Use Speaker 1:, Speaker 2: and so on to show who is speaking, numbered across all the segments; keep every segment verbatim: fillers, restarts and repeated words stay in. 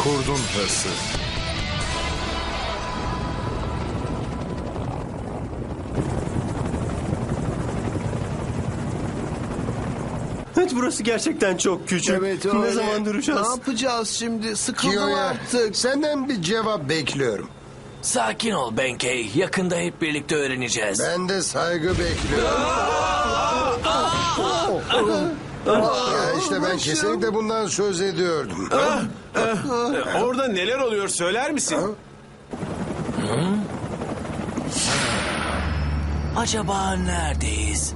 Speaker 1: Kurdun hırsı.
Speaker 2: Evet, burası gerçekten çok küçük.
Speaker 3: Evet
Speaker 2: Ne
Speaker 3: öyle.
Speaker 2: zaman duracağız?
Speaker 3: Ne yapacağız şimdi? Sıkıldım
Speaker 4: Kiyo'ya
Speaker 3: artık.
Speaker 4: senden bir cevap bekliyorum.
Speaker 5: Sakin ol Benkei. Yakında hep birlikte öğreneceğiz.
Speaker 4: Ben de saygı bekliyorum. Ya işte ben kesinlikle bundan söz ediyordum.
Speaker 6: Orada neler oluyor söyler misin?
Speaker 5: Acaba neredeyiz?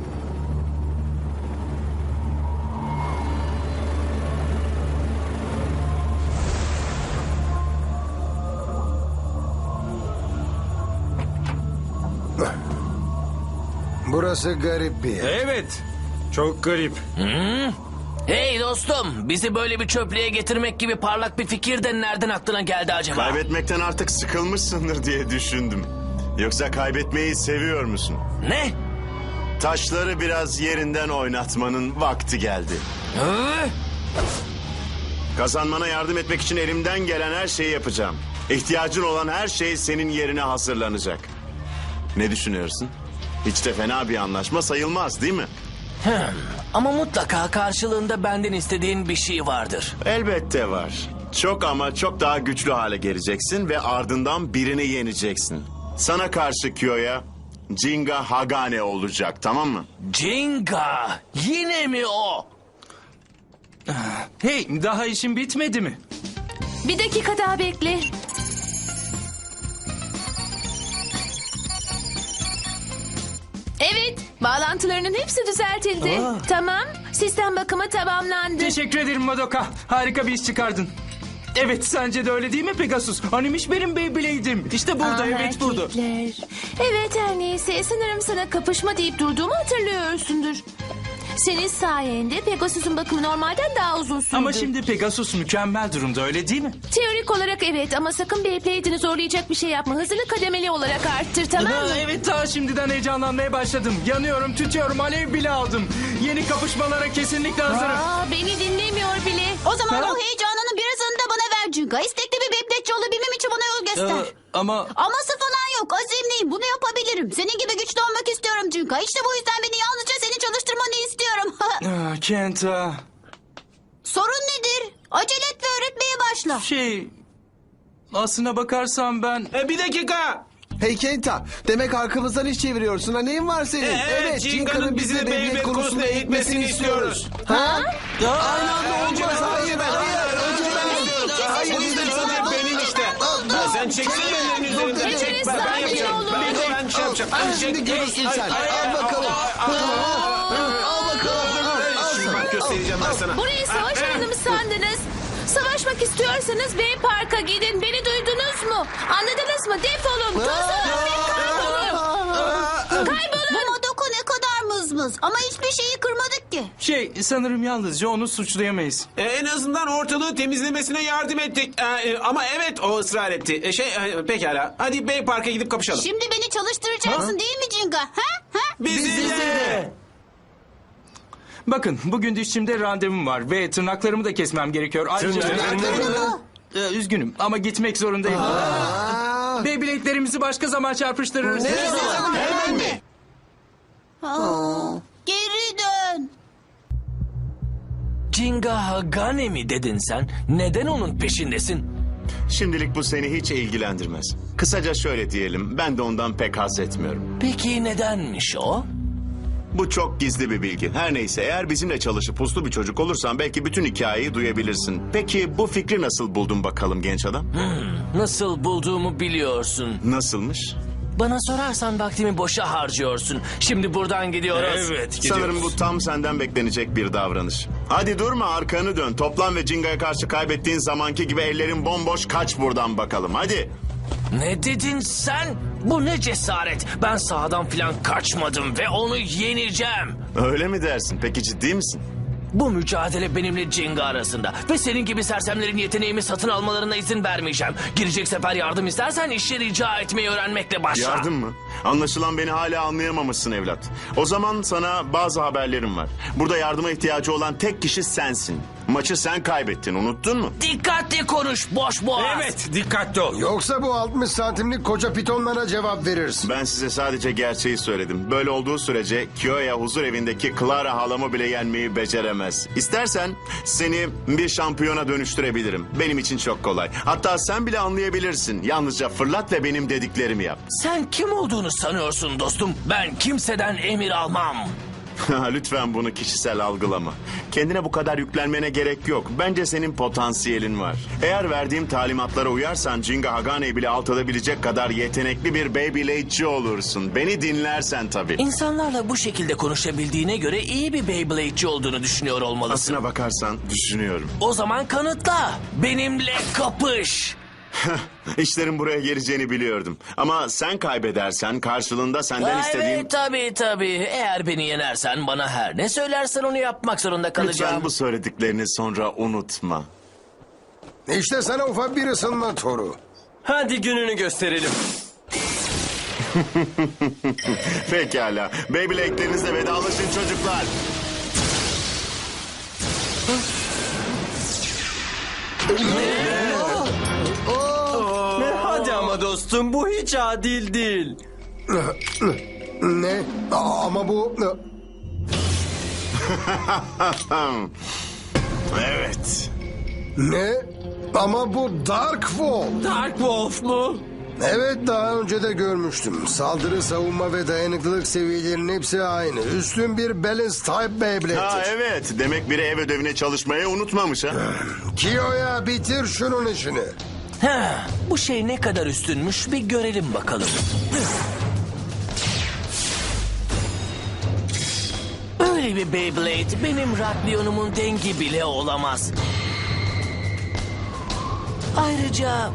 Speaker 4: Burası garip bir yer.
Speaker 2: Evet. Çok garip.
Speaker 5: Hey dostum, bizi böyle bir çöplüğe getirmek gibi parlak bir fikir de nereden aklına geldi acaba?
Speaker 7: Kaybetmekten artık sıkılmışsındır diye düşündüm. Yoksa kaybetmeyi seviyor musun?
Speaker 5: Ne?
Speaker 7: Taşları biraz yerinden oynatmanın vakti geldi.
Speaker 5: Hı?
Speaker 7: Kazanmana yardım etmek için elimden gelen her şeyi yapacağım. İhtiyacın olan her şey senin yerine hazırlanacak. Ne düşünüyorsun? Hiç de fena bir anlaşma sayılmaz, değil mi?
Speaker 5: Hmm, ama mutlaka karşılığında benden istediğin bir şey vardır.
Speaker 7: Elbette var. Çok ama çok daha güçlü hale geleceksin ve ardından birini yeneceksin. Sana karşı Kiyo'ya Jinga Hagane olacak, tamam mı?
Speaker 5: Jinga! Yine mi o?
Speaker 2: Hey, daha işin bitmedi mi?
Speaker 8: Bir dakika daha bekle. Evet, bağlantılarının hepsi düzeltildi. Tamam, sistem bakımı tamamlandı.
Speaker 9: Teşekkür ederim Madoka. Harika bir iş çıkardın. Evet, sence de öyle değil mi Pegasus? Hanimiş benim Beyblade'im. İşte burada,
Speaker 8: Ah,
Speaker 9: evet burada.
Speaker 8: erkekler. Evet, her neyse, sanırım sana kapışma deyip durduğumu hatırlıyorsundur. Senin sayende Pegasus'un bakımı normalden daha uzun sürdü.
Speaker 9: Ama şimdi Pegasus mükemmel durumda, öyle değil mi?
Speaker 8: Teorik olarak evet, ama sakın Beyblade'ini zorlayacak bir şey yapma. Hızını kademeli olarak arttır, tamam mı?
Speaker 9: Ha, evet, daha şimdiden heyecanlanmaya başladım. Yanıyorum, tütüyorum, alev bile aldım. Yeni kapışmalara kesinlikle hazırım.
Speaker 8: Aa, beni dinlemiyor bile.
Speaker 10: O zaman
Speaker 9: Ha?
Speaker 10: o heyecanının birazını da bana ver Cunga. İstekli bir bebekçi olabilmem için bana yol göster.
Speaker 9: Ee, ama
Speaker 10: Aması falan yok. Azimliyim. Bunu yapabilirim. Senin gibi güçlü olmak istiyorum Cunga. İşte bu yüzden beni yalnızca seni çalıştırmanı istiyorum.
Speaker 9: ah, Kenta,
Speaker 10: Sorun nedir? Acele et ve öğretmeye başla.
Speaker 9: şey... Aslına bakarsam ben...
Speaker 6: E, bir dakika.
Speaker 3: Hey Kenta, demek arkamızdan iş çeviriyorsun ha, neyin var senin?
Speaker 6: E, evet, Jinga'nın bizi de Beyblade konusunda eğitmesini istiyoruz.
Speaker 3: Ha? Aynı anda olmaz, hayır, hayır. Önce ben.
Speaker 6: Hayır, biz de benim işte. Ha, sen çeksin ellerini üzerinden.
Speaker 8: Hepiniz
Speaker 6: Çek, ben, ben
Speaker 8: sakin
Speaker 6: yapacağım.
Speaker 8: olun.
Speaker 6: Ben, ben şey yapacağım.
Speaker 3: Ay,
Speaker 6: Hadi
Speaker 3: şimdi
Speaker 6: çek.
Speaker 3: görürsün
Speaker 6: Ay,
Speaker 3: sen.
Speaker 6: ay,
Speaker 3: Al
Speaker 6: ay,
Speaker 3: bakalım.
Speaker 6: al, al, al.
Speaker 3: Al bakalım.
Speaker 6: Bak göstereceğim ben sana.
Speaker 8: Burayı savaş alanı mı sandınız? Savaşmak istiyorsanız Bey Park'a gidin. Beni duydunuz mu? Anladınız mı? Defolun. Tozun ve kaybolun. Kaybolun.
Speaker 10: Bu Madoka ne kadar mızmız. Ama hiçbir şeyi kırmadık ki.
Speaker 9: Şey, sanırım yalnızca onu suçlayamayız.
Speaker 6: E, en azından ortalığı temizlemesine yardım ettik. E, e, ama evet o ısrar etti. E, şey e, pekala. Hadi Bey Park'a gidip kapışalım.
Speaker 10: Şimdi beni çalıştıracaksın değil mi Cinga? Ha? Ha?
Speaker 6: Bizi de.
Speaker 9: Bakın, bugün dişçimde randevum var ve tırnaklarımı da kesmem gerekiyor. Ayrıca...
Speaker 3: Tırnaklarını.
Speaker 9: Ee, üzgünüm ama gitmek zorundayım. Beyblade'lerimizi başka zaman çarpıştırırız.
Speaker 3: Hemen mi?
Speaker 10: Aa, geri dön.
Speaker 5: Jinga Hagane mi dedin sen? Neden onun peşindesin?
Speaker 7: Şimdilik bu seni hiç ilgilendirmez. Kısaca şöyle diyelim, ben de ondan pek haz etmiyorum.
Speaker 5: Peki nedenmiş o?
Speaker 7: Bu çok gizli bir bilgi. Her neyse, eğer bizimle çalışıp uslu bir çocuk olursan belki bütün hikayeyi duyabilirsin. Peki bu fikri nasıl buldun bakalım genç adam?
Speaker 5: Nasıl bulduğumu biliyorsun.
Speaker 7: Nasılmış?
Speaker 5: Bana sorarsan vaktimi boşa harcıyorsun. Şimdi buradan gidiyoruz.
Speaker 2: Evet,
Speaker 7: Sanırım bu tam senden beklenecek bir davranış. Hadi durma, arkanı dön. Toplan ve Jinga'ya karşı kaybettiğin zamanki gibi ellerin bomboş, kaç buradan bakalım. Hadi.
Speaker 5: Ne dedin sen? Bu ne cesaret? Ben sahadan falan kaçmadım ve onu yeneceğim.
Speaker 7: Öyle mi dersin? Peki ciddi misin?
Speaker 5: Bu mücadele benimle Jinga arasında. Ve senin gibi sersemlerin yeteneğimi satın almalarına izin vermeyeceğim. Girecek sefer yardım istersen işi rica etmeyi öğrenmekle başla.
Speaker 7: Yardım mı? Anlaşılan beni hala anlayamamışsın evlat. O zaman sana bazı haberlerim var. Burada yardıma ihtiyacı olan tek kişi sensin. Maçı sen kaybettin, unuttun mu?
Speaker 5: Dikkatli konuş boş boğaz.
Speaker 9: Evet, dikkatli ol.
Speaker 4: Yoksa bu altmış santimlik koca pitonlara cevap verirsin.
Speaker 7: Ben size sadece gerçeği söyledim. Böyle olduğu sürece Kyoya huzur evindeki Clara halamı bile yenmeyi beceremez. İstersen seni bir şampiyona dönüştürebilirim. Benim için çok kolay. Hatta sen bile anlayabilirsin. Yalnızca fırlat ve benim dediklerimi yap.
Speaker 5: Sen kim olduğunu sanıyorsun dostum? Ben kimseden emir almam.
Speaker 7: Lütfen bunu kişisel algılama. Kendine bu kadar yüklenmene gerek yok. Bence senin potansiyelin var. Eğer verdiğim talimatlara uyarsan Jinga Hagane'yi bile alt edebilecek kadar yetenekli bir Beyblade'ci olursun. Beni dinlersen tabii.
Speaker 5: İnsanlarla bu şekilde konuşabildiğine göre iyi bir Beyblade'ci olduğunu düşünüyor olmalısın.
Speaker 7: Aslına bakarsan düşünüyorum.
Speaker 5: O zaman kanıtla. Benimle kapış.
Speaker 7: İşlerin buraya geleceğini biliyordum. Ama sen kaybedersen karşılığında senden
Speaker 5: Ha,
Speaker 7: istediğim...
Speaker 5: Evet tabii tabii. Eğer beni yenersen bana her ne söylersen onu yapmak zorunda kalacağım.
Speaker 7: Lütfen bu söylediklerini sonra unutma.
Speaker 4: İşte sana ufak bir ısınma toru.
Speaker 2: Hadi gününü gösterelim.
Speaker 7: Pekala. Beyblade'lerinizle vedalaşın çocuklar.
Speaker 2: Hadi ama dostum, bu hiç adil değil.
Speaker 4: Ne? Aa, ama bu...
Speaker 7: Evet.
Speaker 4: Ne? Ama bu Dark Wall.
Speaker 2: Dark Wolf mu?
Speaker 4: Evet, daha önce de görmüştüm. Saldırı, savunma ve dayanıklılık seviyelerinin hepsi aynı. Üstün bir Balance Type Beyblade'dir.
Speaker 7: Ha evet. Demek biri ev ödevine çalışmayı unutmamış ha.
Speaker 4: Kiyo'ya bitir şunun işini.
Speaker 5: Ha, bu şey ne kadar üstünmüş bir görelim bakalım. Öyle bir Beyblade benim Ratlion'umun dengi bile olamaz. Ayrıca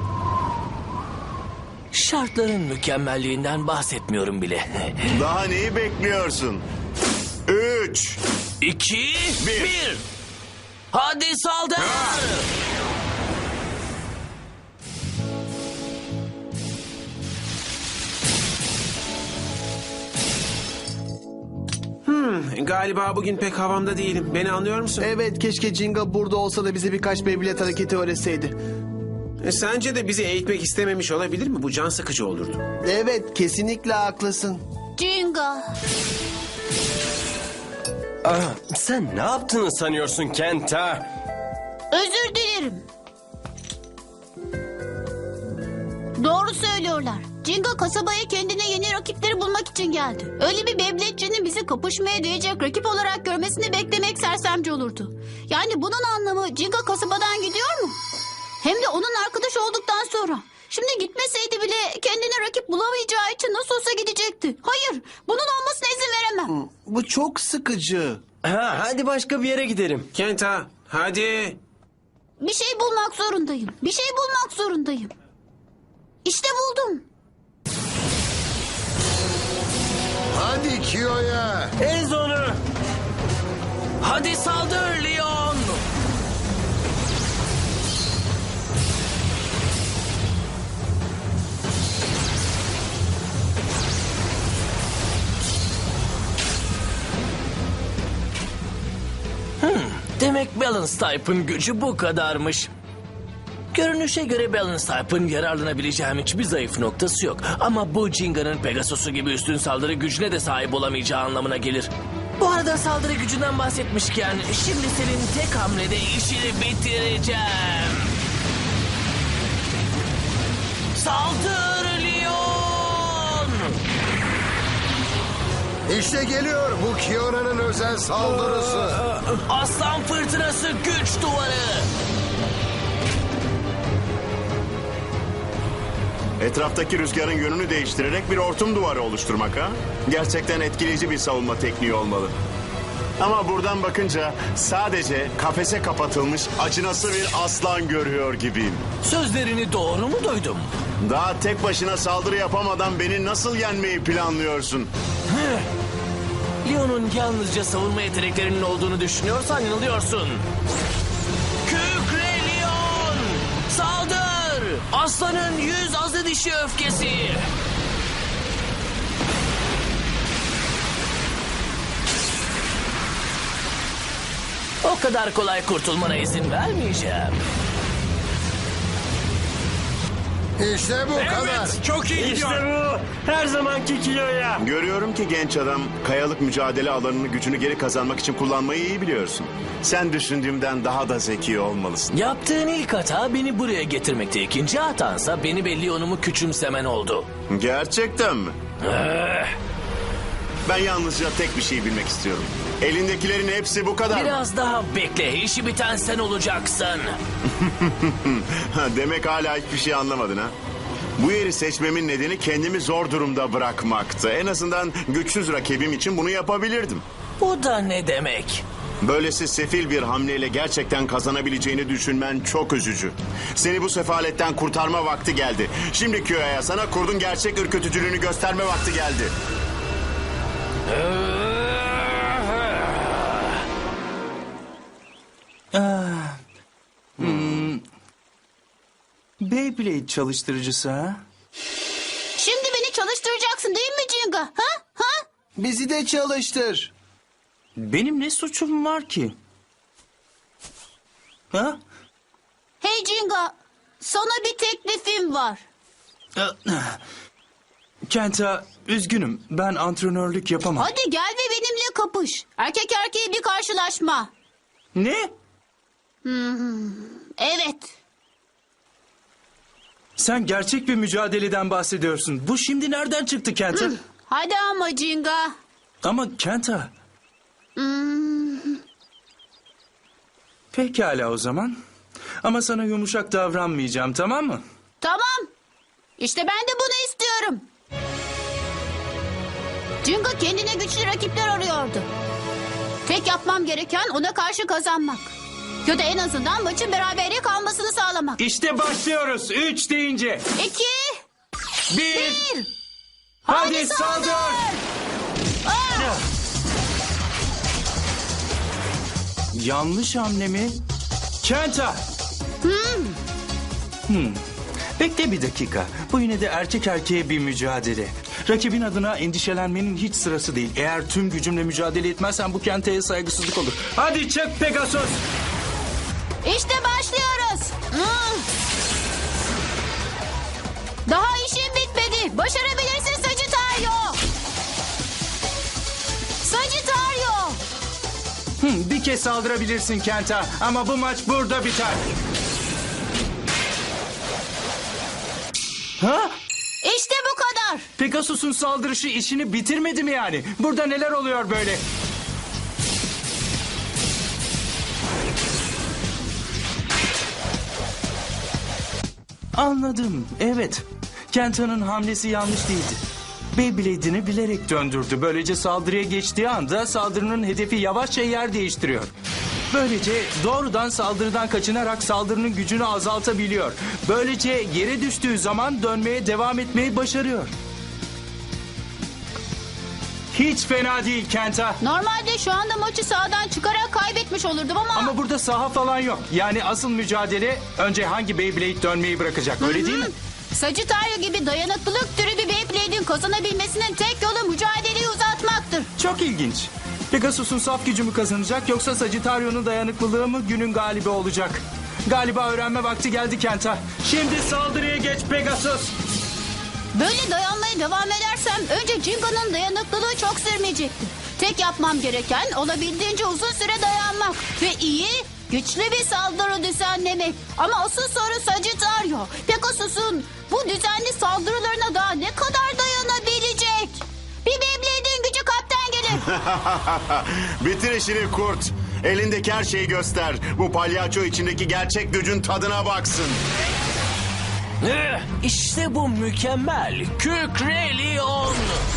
Speaker 5: şartların mükemmelliğinden bahsetmiyorum bile.
Speaker 7: Daha neyi bekliyorsun? Üç.
Speaker 5: İki,
Speaker 7: Bir.
Speaker 5: bir. Hadi saldır.
Speaker 6: Galiba bugün pek havamda değilim. Beni anlıyor musun?
Speaker 3: Evet, keşke Jinga burada olsa da bize birkaç Beyblade hareketi öğretseydi.
Speaker 6: E, sence de bizi eğitmek istememiş olabilir mi? Bu can sıkıcı olurdu.
Speaker 3: Evet, kesinlikle haklısın.
Speaker 10: Jinga.
Speaker 2: Ah, sen ne yaptığını sanıyorsun Kenta?
Speaker 10: Özür dilerim. Doğru söylüyorlar. Jinga kasabaya kendine yeni rakipleri bulmak için geldi. Öyle bir Beyblade'cinin bizi kapışmaya değecek rakip olarak görmesini beklemek sersemce olurdu. Yani bunun anlamı Jinga kasabadan gidiyor mu? Hem de onun arkadaş olduktan sonra. Şimdi gitmeseydi bile kendine rakip bulamayacağı için nasıl olsa gidecekti. Hayır, bunun olmasına izin veremem.
Speaker 3: Bu çok sıkıcı.
Speaker 2: Ha, hadi başka bir yere gidelim.
Speaker 6: Kenta, hadi.
Speaker 10: Bir şey bulmak zorundayım. Bir şey bulmak zorundayım. İşte buldum.
Speaker 4: Hadi Kiyo'ya.
Speaker 2: Ez onu.
Speaker 5: Hadi saldır Leon. Hmm, demek Balance Type'ın gücü bu kadarmış. Görünüşe göre Balance Type'ın yararlanabileceğim hiçbir zayıf noktası yok. Ama bu Jinga'nın Pegasus'u gibi üstün saldırı gücüne de sahip olamayacağı anlamına gelir. Bu arada saldırı gücünden bahsetmişken şimdi senin tek hamlede işini bitireceğim. Saldır Leon!
Speaker 4: İşte geliyor bu Kiyo'nun özel saldırısı.
Speaker 5: Aslan fırtınası güç duvarı!
Speaker 7: Etraftaki rüzgarın yönünü değiştirerek bir hortum duvarı oluşturmak ha? Gerçekten etkileyici bir savunma tekniği olmalı. Ama buradan bakınca sadece kafese kapatılmış acınası bir aslan görüyor gibiyim.
Speaker 5: Sözlerini doğru mu duydum?
Speaker 7: Daha tek başına saldırı yapamadan beni nasıl yenmeyi planlıyorsun?
Speaker 5: Leon'un yalnızca savunma yeteneklerinin olduğunu düşünüyorsan yanılıyorsun. Kükre Leon! Saldır! Aslanın yüz azı dişi öfkesi! O kadar kolay kurtulmana izin vermeyeceğim.
Speaker 4: İşte bu kadar.
Speaker 6: Çok iyi
Speaker 2: İşte bu. Her zamanki kiloya.
Speaker 7: Görüyorum ki genç adam kayalık mücadele alanını gücünü geri kazanmak için kullanmayı iyi biliyorsun. Sen düşündüğümden daha da zeki olmalısın.
Speaker 5: Yaptığın ilk hata beni buraya getirmekte. İkinci hatansa beni ve Leon'umu küçümsemen oldu.
Speaker 7: Gerçekten mi? Ben yalnızca tek bir şey bilmek istiyorum. Elindekilerin hepsi bu kadar mı?
Speaker 5: Biraz daha bekle. İşi biten sen olacaksın.
Speaker 7: Ha, demek hala hiçbir şey anlamadın ha? Bu yeri seçmemin nedeni kendimi zor durumda bırakmaktı. En azından güçsüz rakibim için bunu yapabilirdim.
Speaker 5: Bu da ne demek?
Speaker 7: Böylesi sefil bir hamleyle gerçekten kazanabileceğini düşünmen çok üzücü. Seni bu sefaletten kurtarma vakti geldi. Şimdi Kyo'ya sana kurdun gerçek ürkütücülüğünü gösterme vakti geldi.
Speaker 9: Beyblade çalıştırıcısı ha?
Speaker 10: Şimdi beni çalıştıracaksın değil mi Jinga? Ha? Ha?
Speaker 3: Bizi de çalıştır.
Speaker 9: Benim ne suçum var ki? Ha?
Speaker 10: Hey Jinga, sana bir teklifim var.
Speaker 9: Kenta, üzgünüm. Ben antrenörlük yapamam.
Speaker 10: Hadi gel ve benimle kapış. Erkek erkeğe bir karşılaşma.
Speaker 9: Ne?
Speaker 10: Evet.
Speaker 9: Sen gerçek bir mücadeleden bahsediyorsun. Bu şimdi nereden çıktı Kenta?
Speaker 10: Hadi ama Jinga.
Speaker 9: Ama Kenta. Pekala o zaman. Ama sana yumuşak davranmayacağım, tamam mı?
Speaker 10: Tamam. İşte ben de bunu istiyorum. Jinga kendine güçlü rakipler arıyordu. Tek yapmam gereken ona karşı kazanmak. Ya da en azından maçın berabere kalmasını sağlamak.
Speaker 9: İşte başlıyoruz. Üç deyince.
Speaker 10: İki,
Speaker 9: Bir.
Speaker 10: bir.
Speaker 9: Hadi,
Speaker 10: Hadi
Speaker 9: saldır.
Speaker 10: saldır. Aa!
Speaker 9: Yanlış hamle mi? Kenta. Hmm. Bekle bir dakika. Bu yine de erkek erkeğe bir mücadele. Rakibin adına endişelenmenin hiç sırası değil. Eğer tüm gücümle mücadele etmezsen bu Kenta'ya saygısızlık olur. Hadi çık Pegasus.
Speaker 10: İşte başlıyoruz. Hmm. Daha işim bitmedi. Başarabilirsin Sagittario. Sagittario.
Speaker 9: Hmm, bir kez saldırabilirsin Kenta. Ama bu maç burada biter. Ha?
Speaker 10: İşte bu kadar.
Speaker 9: Pegasus'un saldırışı işini bitirmedi mi yani? Burada neler oluyor böyle? Anladım. Evet. Kenta'nın hamlesi yanlış değildi. Beyblade'ini bilerek döndürdü. Böylece saldırıya geçtiği anda saldırının hedefi yavaşça yer değiştiriyor. Böylece doğrudan saldırıdan kaçınarak saldırının gücünü azaltabiliyor. Böylece yere düştüğü zaman dönmeye devam etmeyi başarıyor. Hiç fena değil Kenta.
Speaker 10: Normalde şu anda maçı sahadan çıkarak kaybetmiş olurdum ama...
Speaker 9: Ama burada saha falan yok. Yani asıl mücadele önce hangi Beyblade dönmeyi bırakacak, öyle değil mi?
Speaker 10: Sagittario gibi dayanıklılık türü bir Beyblade'in kazanabilmesinin tek yolu mücadeleyi uzatmaktır.
Speaker 9: Çok ilginç. Pegasus'un saf gücü mü kazanacak yoksa Sagittario'nun dayanıklılığı mı günün galibi olacak? Galiba öğrenme vakti geldi Kenta. Şimdi saldırıya geç Pegasus.
Speaker 10: Böyle dayanmaya devam edersem önce Jinga'nın dayanıklılığı çok sürmeyecekti. Tek yapmam gereken olabildiğince uzun süre dayanmak ve iyi, güçlü bir saldırı düzenlemek. Ama asıl soru Sagittario. Pegasus'un bu düzenli saldırılarına daha ne kadar dayanabilecek? Bir Beyblade'in gücü kapten gelir.
Speaker 7: Bitir işini kurt. Elindeki her şeyi göster. Bu palyaço içindeki gerçek gücün tadına baksın.
Speaker 5: Eh, İşte bu mükemmel. Kükre Leon.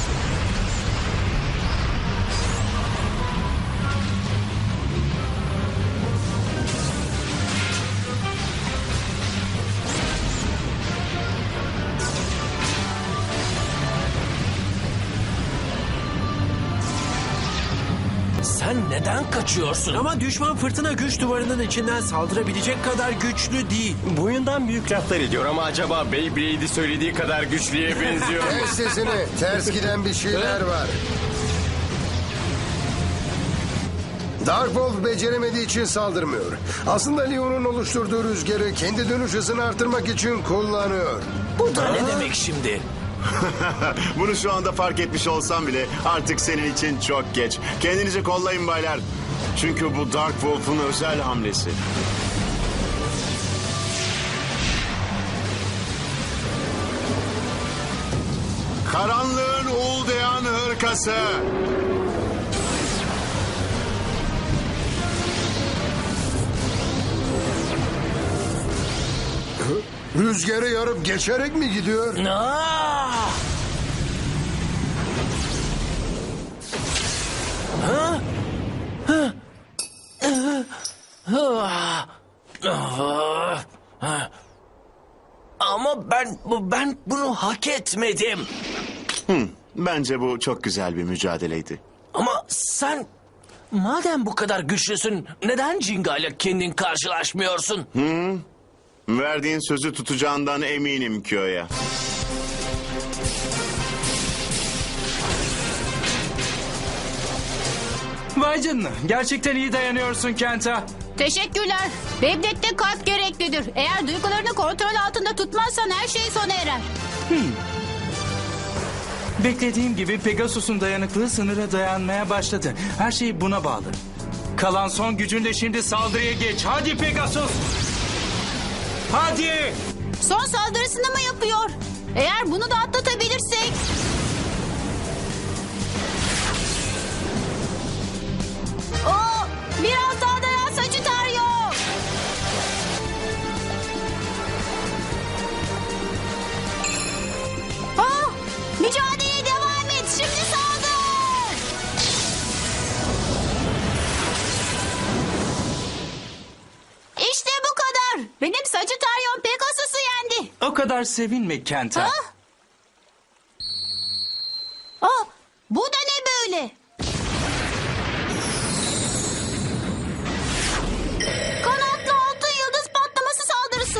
Speaker 5: Sen neden kaçıyorsun?
Speaker 2: Ama düşman fırtına güç duvarının içinden saldırabilecek kadar güçlü değil. Boyundan büyük laflar ediyor ama acaba Beyblade'i söylediği kadar güçlüye benziyor mu?
Speaker 4: Kes sesini. Ters giden bir şeyler var. Dark Wolf beceremediği için saldırmıyor. Aslında Leon'un oluşturduğu rüzgarı kendi dönüş hızını artırmak için kullanıyor.
Speaker 5: Bu da ne demek şimdi?
Speaker 7: Bunu şu anda fark etmiş olsam bile artık senin için çok geç. Kendinizi kollayın baylar. Çünkü bu Dark Wolf'un özel hamlesi. Karanlığın uğuldayan hırkası.
Speaker 4: Rüzgarı yarıp geçerek mi gidiyor?
Speaker 5: Aa! Ha? Ha? Ah! Ah! Ah! Ama ben bu- ben bunu hak etmedim.
Speaker 7: Bence bu çok güzel bir mücadeleydi.
Speaker 5: Ama sen madem bu kadar güçlüsün neden Jinga ile kendin karşılaşmıyorsun?
Speaker 7: Verdiğin sözü tutacağından eminim Kyo'ya.
Speaker 9: Vay canına. Gerçekten iyi dayanıyorsun Kenta.
Speaker 10: Teşekkürler. Beyblade'de kalp gereklidir. Eğer duygularını kontrol altında tutmazsan her şey sona erer.
Speaker 9: Beklediğim gibi Pegasus'un dayanıklığı sınıra dayanmaya başladı. Her şey buna bağlı. Kalan son gücünle şimdi saldırıya geç. Hadi Pegasus. Hadi.
Speaker 10: Son saldırısını mı yapıyor? Eğer bunu da atlatabilirsek... O biraz daha dayan Sagittario. Oh, mücadeleye devam et. Şimdi saldır. İşte bu kadar. Benim Sagittarion Pegasus'u yendi.
Speaker 9: O kadar sevinme Kenta.
Speaker 10: Ha? Oh, bu da ne böyle? Kanatlı altın yıldız patlaması saldırısı.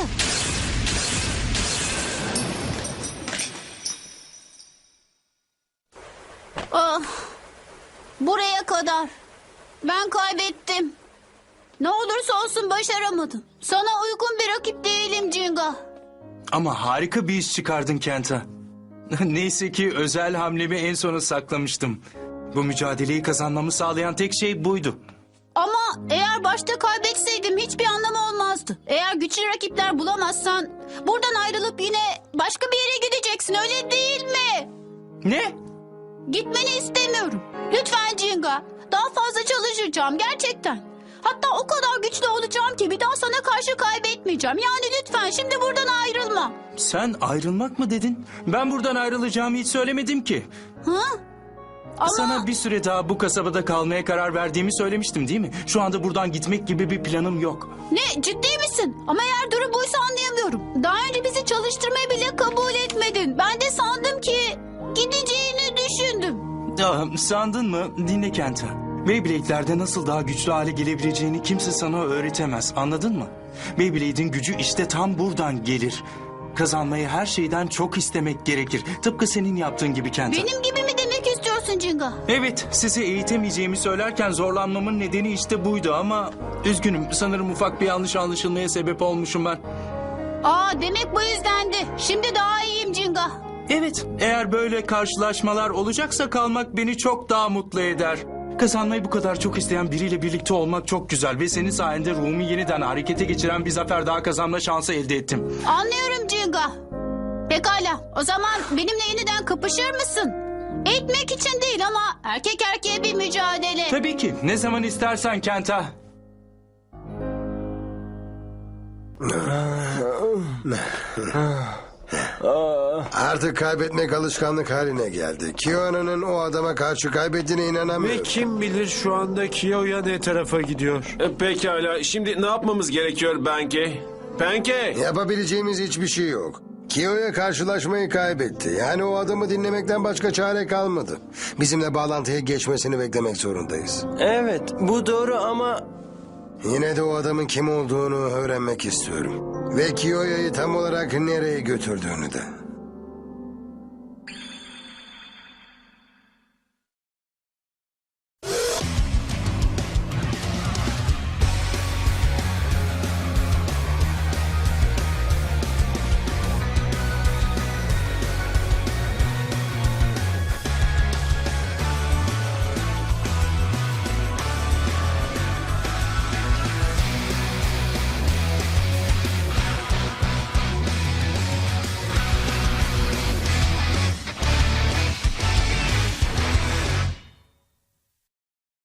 Speaker 10: Ah, buraya kadar. Ben kaybettim. Ne olursa olsun başaramadım. Sana uygun bir rakip değilim Jinga.
Speaker 9: Ama harika bir iş çıkardın Kenta. Neyse ki özel hamlemi en sona saklamıştım. Bu mücadeleyi kazanmamı sağlayan tek şey buydu.
Speaker 10: Ama eğer başta kaybetseydim hiçbir anlamı olmazdı. Eğer güçlü rakipler bulamazsan buradan ayrılıp yine başka bir yere gideceksin, öyle değil mi?
Speaker 9: Ne?
Speaker 10: Gitmeni istemiyorum. Lütfen Jinga. Daha fazla çalışacağım gerçekten. Hatta o kadar güçlü olacağım ki bir daha sana karşı kaybetmeyeceğim. Yani lütfen şimdi buradan ayrılma.
Speaker 9: Sen ayrılmak mı dedin? Ben buradan ayrılacağımı hiç söylemedim ki.
Speaker 10: Hı? Ama
Speaker 9: Sana bir süre daha bu kasabada kalmaya karar verdiğimi söylemiştim değil mi? Şu anda buradan gitmek gibi bir planım yok.
Speaker 10: ne, ciddi misin? Ama eğer durum buysa anlayamıyorum. Daha önce bizi çalıştırmayı bile kabul etmedin. Ben de sandım ki gideceğini düşündüm.
Speaker 9: Ah, sandın mı? Dinle Kenta. Beyblade'lerde nasıl daha güçlü hale gelebileceğini kimse sana öğretemez. Anladın mı? Beyblade'in gücü işte tam buradan gelir. Kazanmayı her şeyden çok istemek gerekir. Tıpkı senin yaptığın gibi Kenta.
Speaker 10: Benim gibi mi demek istiyorsun Jinga?
Speaker 9: Evet, sizi eğitemeyeceğimi söylerken zorlanmamın nedeni işte buydu ama... Üzgünüm, sanırım ufak bir yanlış anlaşılmaya sebep olmuşum ben.
Speaker 10: Aa, demek bu yüzdendi. Şimdi daha iyiyim Jinga.
Speaker 9: Evet, eğer böyle karşılaşmalar olacaksa kalmak beni çok daha mutlu eder. Kazanmayı bu kadar çok isteyen biriyle birlikte olmak çok güzel ve senin sayende ruhumu yeniden harekete geçiren bir zafer daha kazanma şansı elde ettim.
Speaker 10: Anlıyorum Jinga. Pekala, o zaman benimle yeniden kapışır mısın? Eğitmek için değil ama erkek erkeğe bir mücadele.
Speaker 9: Tabii ki, ne zaman istersen Kenta.
Speaker 4: Artık kaybetmek alışkanlık haline geldi. Kyo'nun o adama karşı kaybettiğine inanamıyorum.
Speaker 2: Ve kim bilir şu anda Kiyo'ya ne tarafa gidiyor.
Speaker 6: E, Pekala. Şimdi ne yapmamız gerekiyor Benke? Benke!
Speaker 4: Yapabileceğimiz hiçbir şey yok. Kyo'ya karşılaşmayı kaybetti. Yani o adamı dinlemekten başka çare kalmadı. Bizimle bağlantıya geçmesini beklemek zorundayız.
Speaker 2: Evet, bu doğru ama
Speaker 4: Yine de o adamın kim olduğunu öğrenmek istiyorum. Ve Kyo'ya'yı tam olarak nereye götürdüğünü de.